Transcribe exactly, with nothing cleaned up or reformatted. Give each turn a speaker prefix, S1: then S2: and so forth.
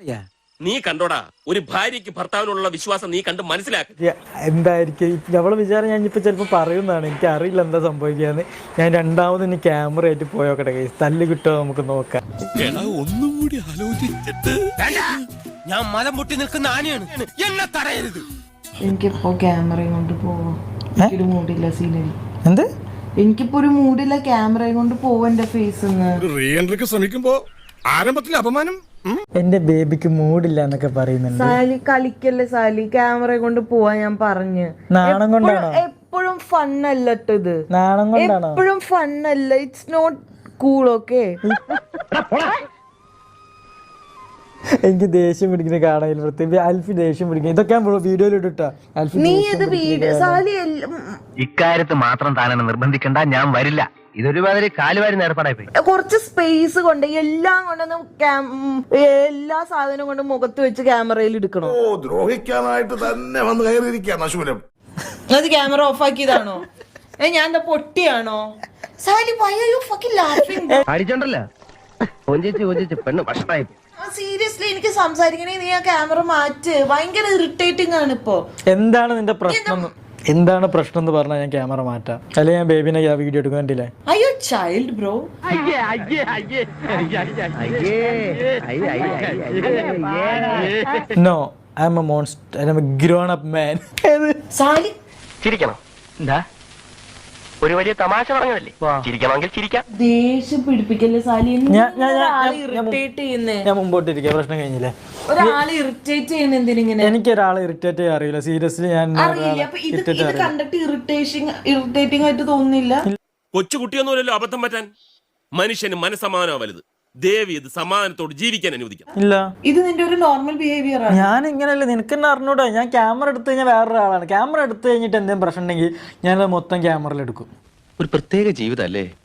S1: നീ കണ്ടോടാ ഒരു ഭാര്യക്ക് ഭർത്താവിനുള്ള വിശ്വാസം നീ കണ്ട് മനസ്സിലാക്കി.
S2: എന്തായിരിക്കും അവളെ വിചാരം? ഞാൻ ഇപ്പൊ ചിലപ്പോ പറയുന്നതാണ്, എനിക്ക് അറിയില്ല എന്താ സംഭവിക്കാന്ന്. ഞാൻ രണ്ടാമത് ഇനി ക്യാമറ ആയിട്ട് പോയോക്കട്ടെ, തല്ല് കിട്ടുമോ നമുക്ക് നോക്കാം.
S3: ഒന്നും കൂടി ആലോചിച്ചിട്ട്
S1: ഞാൻ മലം പൊട്ടി നിൽക്കുന്ന ആനയാണ്, എന്നെ തടയരുത്.
S4: എനിക്കിപ്പോ ക്യാമറയും കൊണ്ട് പോവാം, എനിക്കൊരു മൂഡില്ല സീനറി.
S2: എന്ത്?
S4: എനിക്കിപ്പോ ഒരു മൂഡില്ല ക്യാമറയും കൊണ്ട് പോവാ എന്റെ ഫേസ്.
S3: റീ എൻട്രിക്ക് ശ്രമിക്കുമ്പോ ആരംഭത്തിൽ അപമാനം.
S2: എന്റെ ബേബിക്ക് മൂഡില്ല എന്നൊക്കെ പറയുന്നുണ്ട്.
S4: സാലി കളിക്കല്ലേ സാലി, ക്യാമറ കൊണ്ട് പോവാ ഞാൻ പറഞ്ഞു.
S2: നാണം കൊണ്ടാണോ?
S4: എപ്പോഴും ഫണ്ണല്ല ഇത്,
S2: നാണം കൊണ്ടാണോ?
S4: എപ്പോഴും ഫണ്ണല്ല, ഇറ്റ്സ് നോട്ട് കൂൾ. ഓക്കെ,
S2: എനിക്ക് ദേഷ്യം പിടിക്കുന്ന കാണാൻ പ്രത്യേകിച്ച് അൽഫി ദേഷ്യം പിടിക്കും. ഇതൊക്കെ ഞാൻ വീഡിയോയിൽ ഇട്ടാ അൽഫി
S4: നീ ഇത് വീഡിയോ സാലി
S5: ഇക്കാര്യത്ത് മാത്രം താനെന്നെ നിർബന്ധിക്കണ്ട, ഞാൻ വരില്ല. ഇതൊരു മാതിരി കാലുവാരി നേർപ്പാടായി പോയി.
S4: കുറച്ച് സ്പേസ് കൊണ്ട് എല്ലാം കൊണ്ടൊന്നും എല്ലാ സാധനവും കൊണ്ട് മുഖത്ത് വെച്ച് ക്യാമറയിൽ എടുക്കണോ?
S3: ഓ, ദ്രോഹിക്കാനായിട്ട് തന്നെ വന്ന് കയറിയിരിക്കുകയാണ് അശൂലം.
S4: അത് ക്യാമറ ഓഫ് ആക്കിയതാണോ? ഏ ഞാൻ എന്താ പൊട്ടിയാണോ? Sally why are you fucking laughing?
S5: അടിച്ചോണ്ടല്ലോ കൊഞ്ചിച്ച് കൊഞ്ചിച്ച് പെണ്ണ് ഭക്ഷണമായി.
S4: സീരിയസ്ലി എനിക്ക് സംസാരിക്കണേ, നീ ആ ക്യാമറ മാറ്റ്. ഭയങ്കര ഇറിറ്റേറ്റിംഗ് ആണ് ഇപ്പൊ.
S2: എന്താണ് നിന്റെ പ്രശ്നം? എന്താണ് പ്രശ്നം എന്ന് പറഞ്ഞാൽ ഞാൻ ക്യാമറ മാറ്റാം, അല്ലെങ്കിൽ ഞാൻ ബേബിനെ വീഡിയോ എടുക്കുന്നില്ലേ?
S4: അയ്യോ child bro.
S2: No, I am a monster, I am a grown up man.
S4: Sally
S5: ചിരിക്കണം. എന്താ ഒരു വലിയ തമാശ പറഞ്ഞതല്ലേ, ചിരിക്കണമെങ്കിൽ ചിരിക്കാം.
S4: ദേഷ്യം പിടിപ്പിക്കല്ലേ സാലി, ഇറിറ്റേറ്റ് ചെയ്യുന്നേ.
S2: ഞാൻ മുമ്പോട്ടിരിക്കുക, പ്രശ്നം കഴിഞ്ഞില്ലേ?
S4: ഒരാളെ ഇറിറ്റേറ്റ് ചെയ്യുന്ന എന്തിനിങ്ങനെ?
S2: എനിക്ക് ഒരാളെ ഇറിറ്റേറ്റ് ചെയ്യാൻ അറിയില്ല, സീരിയസ്ലി. ഞാൻ
S4: അറിയില്ല, അപ്പൊ ഇത് ഇത് കണ്ടിട്ട് ഇറിറ്റേഷൻ ഇറിറ്റേറ്റിംഗ് ആയിട്ട് തോന്നുന്നില്ല.
S1: കൊച്ചുകുട്ടിയൊന്നുമല്ലല്ലോ അബദ്ധം പറ്റാൻ. മനുഷ്യന് മനസ്സമാനോ വലുത്. ദേവി ഇത് സമാധാനത്തോട് ജീവിക്കാൻ അനുവദിക്കാം.
S2: ഇല്ല,
S4: ഇത് നിന്റെ ഒരു നോർമൽ ബിഹേവിയർ ആണ്.
S2: ഞാൻ ഇങ്ങനെയല്ല, നിനക്ക് തന്നെ അറിഞ്ഞൂടാ. ഞാൻ ക്യാമറ എടുത്തു കഴിഞ്ഞാൽ വേറൊരാളാണ്. ക്യാമറ എടുത്തു കഴിഞ്ഞിട്ട് എന്തെങ്കിലും പ്രശ്നം ഉണ്ടെങ്കിൽ ഞാൻ മൊത്തം ക്യാമറയിൽ എടുക്കും.
S6: ഒരു പ്രത്യേക ജീവിതം അല്ലേ?